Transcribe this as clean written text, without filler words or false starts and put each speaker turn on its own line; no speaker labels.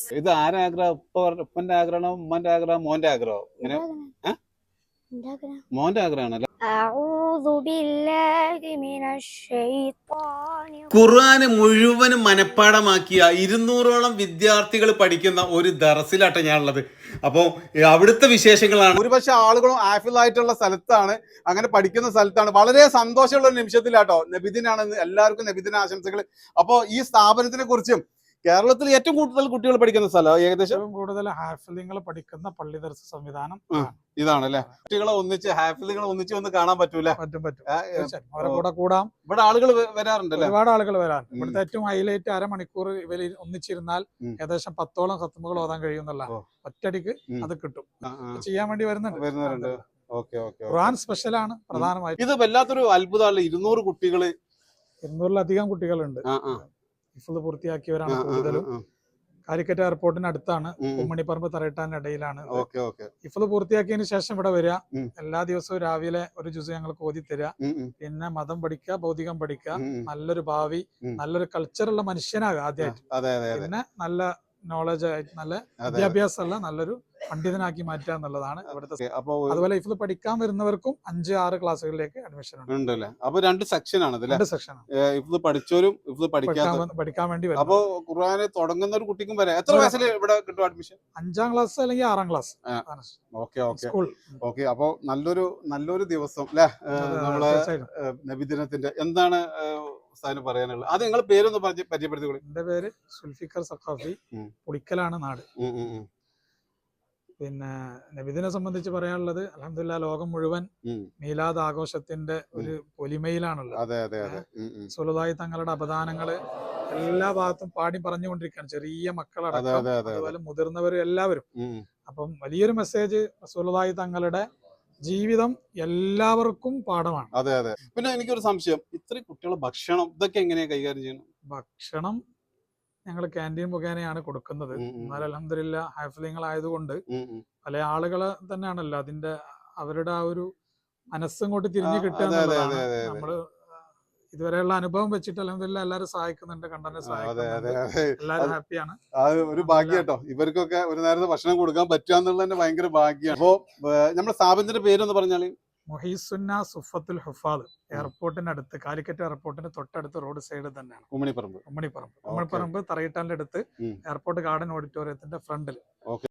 ഇത് ആരാ ആഗ്രഹം? ഉപ്പന്റെ ആഗ്രഹമാണോ, ഉമ്മന്റെ ആഗ്രഹം, മോന്റെ ആഗ്രഹം? ഇങ്ങനെ മോന്റെ ആഗ്രഹമാണല്ലേ? ഖുർആന് മുഴുവനും മനഃപ്പാടമാക്കിയ 200ഓളം വിദ്യാർത്ഥികൾ പഠിക്കുന്ന ഒരു ദറസിലാട്ടെ ഞാനുള്ളത്. അപ്പോൾ അവിടുത്തെ വിശേഷങ്ങളാണ്. ഒരുപക്ഷെ ആളുകളും ആഫിലായിട്ടുള്ള സ്ഥലത്താണ്, അങ്ങനെ പഠിക്കുന്ന സ്ഥലത്താണ്. വളരെ സന്തോഷമുള്ള ഒരു നിമിഷത്തിലാട്ടോ. നബിദിനാണെന്ന് എല്ലാവർക്കും നബിദിന ആശംസകൾ. അപ്പോൾ ഈ സ്ഥാപനത്തിനെ കുറിച്ചും കേരളത്തിൽ ഏറ്റവും കൂടുതൽ കുട്ടികൾ പഠിക്കുന്ന സ്ഥലം, ഏകദേശം
കൂടുതൽ ഹാഫിലിങ്ങൾ പഠിക്കുന്ന പള്ളി ദർസ് സംവിധാനം
ഇതാണല്ലേ? കുട്ടികളെ ഒന്നിച്ച്, ഹാഫിലുകളെ ഒന്നിച്ച് ഒന്ന് കാണാൻ പറ്റൂല?
അവരെ കൂടെ കൂടാം.
ഇവിടെ ആളുകൾ വരാറുണ്ടല്ലേ?
ഒരുപാട് ആളുകൾ വരാറുണ്ട്. ഇവിടുത്തെ ഏറ്റവും ഹൈലൈറ്റ് അരമണിക്കൂർ ഇവര് ഒന്നിച്ചിരുന്നാൽ ഏകദേശം 10ഓളം ഖത്മുകൾ ഓതാൻ കഴിയുന്നുള്ള ഒറ്റടിക്ക് അത് കിട്ടും. ചെയ്യാൻ വേണ്ടി വരുന്നുണ്ട്. ഖുർആൻ സ്പെഷ്യലാണ് പ്രധാനമായിട്ടും.
ഇത് വല്ലാത്തൊരു അത്ഭുതമല്ല. 200 കുട്ടികള്,
200-ലധികം കുട്ടികളുണ്ട്. ഹിഫ്ള് പൂർത്തിയാക്കിയവരാണ് കൂടുതലും. കാലിക്കറ്റ് എയർപോർട്ടിന് അടുത്താണ്, ഉമ്മണിപ്പറമ്പ് തറയിട്ടാന്റെ ഇടയിലാണ്. ഹിഫ്ള് പൂർത്തിയാക്കിയതിന് ശേഷം ഇവിടെ വരിക. എല്ലാ ദിവസവും രാവിലെ ഒരു ജുസ് ഞങ്ങൾക്ക് ഓതി തരിക. പിന്നെ മതം പഠിക്കുക, ഭൗതികം പഠിക്കുക, നല്ലൊരു ഭാവി, നല്ലൊരു കൾച്ചറുള്ള മനുഷ്യനാകുക ആദ്യമായിട്ട്. പിന്നെ നല്ല നോളജ് ആയിട്ട്, നല്ല വിദ്യാഭ്യാസമുള്ള നല്ലൊരു പണ്ഡിതനാക്കി മാറ്റുക എന്നുള്ളതാണ് ഇവിടുത്തെ. അതുപോലെ ഹിഫ്ള് പഠിക്കാൻ വരുന്നവർക്കും 5-6 ക്ലാസ്സുകളിലേക്ക് അഡ്മിഷൻ
ഉണ്ടല്ലേ? അപ്പൊ 2 സെക്ഷനാണ്.
2 സെക്ഷൻ.
ഹിഫ്ള് പഠിച്ചവരും ഹിഫ്ള്
പഠിക്കാൻ വേണ്ടി വരും.
അപ്പൊ ഖുർആന് തുടങ്ങുന്ന ഒരു കുട്ടിക്കും വരെ എത്ര വയസ്സിൽ ഇവിടെ കിട്ടും അഡ്മിഷൻ?
5ാം ക്ലാസ് അല്ലെങ്കിൽ 6ാം ക്ലാസ്.
ഓക്കെ. അപ്പൊ നല്ലൊരു ദിവസം അല്ലെ നമ്മളെ നബിദിനത്തിന്റെ. എന്താണ് പറയാനുള്ളത്? അത് നിങ്ങളുടെ പേരൊന്ന് പരിചയപ്പെടുത്തിക്കോളൂ.
എന്റെ പേര് സുൽഫിക്കർ സഖാഫി, പുളിക്കലാണ് നാട്. പിന്നെ നബിദിനെ സംബന്ധിച്ച് പറയാനുള്ളത്, അൽഹംദുലില്ലാഹ് ലോകം മുഴുവൻ മീലാദ് ആഘോഷത്തിന്റെ ഒരു പൊലിമയിലാണുള്ളത്. റസൂലുള്ളാഹി തങ്ങളുടെ അപദാനങ്ങള് എല്ലാ ഭാഗത്തും പാടി പറഞ്ഞുകൊണ്ടിരിക്കുകയാണ്, ചെറിയ മക്കളടക്കം, അതുപോലെ മുതിർന്നവരും എല്ലാവരും. അപ്പം വലിയൊരു മെസ്സേജ്, റസൂലുള്ളാഹി തങ്ങളുടെ ജീവിതം എല്ലാവർക്കും പാഠമാണ്.
പിന്നെ എനിക്കൊരു സംശയം, ഇത്രയും കുട്ടികളെ ഭക്ഷണം ഇതൊക്കെ എങ്ങനെയാ കൈകാര്യം ചെയ്യണം?
ഭക്ഷണം ഞങ്ങൾ ക്യാൻറ്റീൻ മുഖേനയാണ് കൊടുക്കുന്നത്. എന്നാൽ അൽഹംദുലില്ലാഹ് ഹാഫിലിങ്ങളായതുകൊണ്ട് പല ആളുകളെ തന്നെയാണല്ലോ അതിന്റെ അവരുടെ ആ ഒരു മനസ്സങ്ങോട്ട് തിരിഞ്ഞു കിട്ടുക എന്നുള്ളതാണ്. നമ്മള് ഇതുവരെയുള്ള അനുഭവം വെച്ചിട്ട് അൽഹംദുലില്ലാഹ് എല്ലാവരും സഹായിക്കുന്നുണ്ട്, കണ്ടനെ സഹായിക്കുന്നുണ്ട്, എല്ലാവരും ഹാപ്പിയാണ്.
ഒരു ഭാഗ്യം കേട്ടോ, ഇവർക്കൊക്കെ ഒരു നേരത്തെ ഭക്ഷണം കൊടുക്കാൻ പറ്റുക എന്നുള്ളത് തന്നെ ഭയങ്കര ഭാഗ്യമാണ്. അപ്പോ നമ്മുടെ സ്ഥാപനത്തിന്റെ പേരൊന്ന് പറഞ്ഞാല്?
മുഹീസുന്ന സുഫത്തുൽ ഹുഫാദ്, എയർപോർട്ടിന് അടുത്ത്, കാലിക്കറ്റ് എയർപോർട്ടിന് തൊട്ടടുത്ത് റോഡ് സൈഡ് തന്നെയാണ്. ഉമ്മണിപ്പറമ്പ് തറയിട്ടാന്റെ അടുത്ത്, എയർപോർട്ട് ഗാർഡൻ ഓഡിറ്റോറിയത്തിന്റെ ഫ്രണ്ടിൽ.